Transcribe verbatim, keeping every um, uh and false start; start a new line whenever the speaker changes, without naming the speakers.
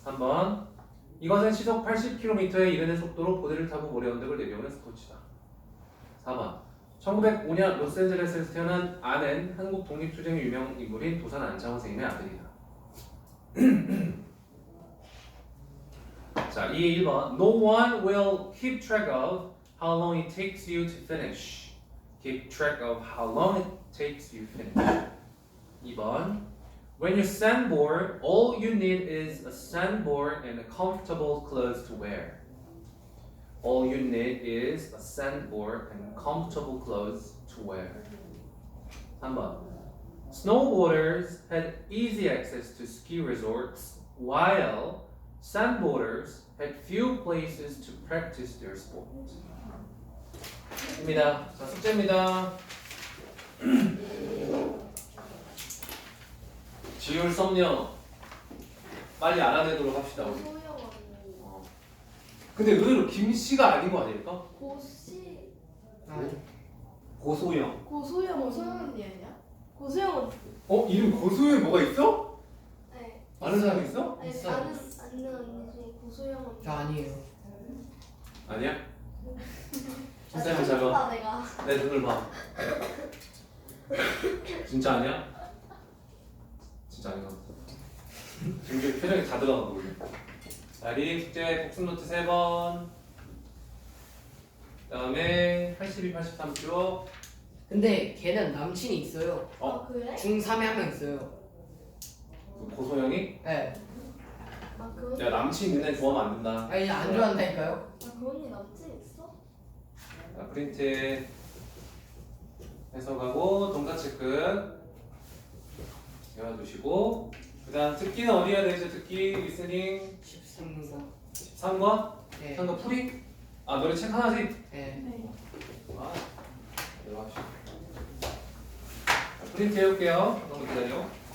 삼 번. 이것은 시속 팔십 킬로미터에 이르는 속도로 보드를 타고 모래 언덕을 내려오는 스포츠다. 사 번. 천구백오 년 로스앤젤레스에서 태어난 안은 한국 독립투쟁의 유명 인물인 도산 안창호 선생님의 아들이다. 자, 이 일 번. No one will keep track of how long it takes you to finish. Keep track of how long it takes you to finish. 이 번. When you sandboard, all you need is a sandboard and a comfortable clothes to wear. All you need is a sandboard and comfortable clothes to wear. 삼 번. Snowboarders had easy access to ski resorts, while sandboarders had few places to practice their sport. 입니다. 자, 숙제입니다. 지울 썸녀 빨리 알아내도록 합시다. 우리.
고소영 언니.
어. 근데 의외로 김씨가 아닌 거 아닐까?
고시.
고소영.
고소영 고소영 언니 아니야? 고소영 언니.
어? 이름 고소영이 뭐가 있어?
네.
아는 사람 있어?
아니,
있어요.
아는 아는 언니 중에 고소영 언니.
저 아니에요.
아니야?
아,
쌤은 작아.
봐 내가.
내 눈을 봐. 진짜 아니야? 진짜 아닌 것 같아. 지금 표정이 다 들어간 거거든. 자, 리딩 숙제 복습 노트 세 번. 그다음에 팔십이, 팔십삼 쪽.
근데 걔는 남친이 있어요.
어?
아 그래?
중삼에 한 명 있어요.
그 고소영이?
네.
아 그.
야, 남친 있는 애 좋아하면 안 된다.
아니 안 좋아한다니까요.
아그 언니 남친 있어?
자, 프린트 해석하고 동사 체크 외워두시고, 그 다음 듣기는 어디 해야 되죠? 듣기 리스닝
십삼 번.
십삼 번?
네.
십삼 번 풀이? 아, 노래 책 하나씩?
네.
네.
아, 내려가시죠. 프린트 해올게요. 잠깐만 기다려.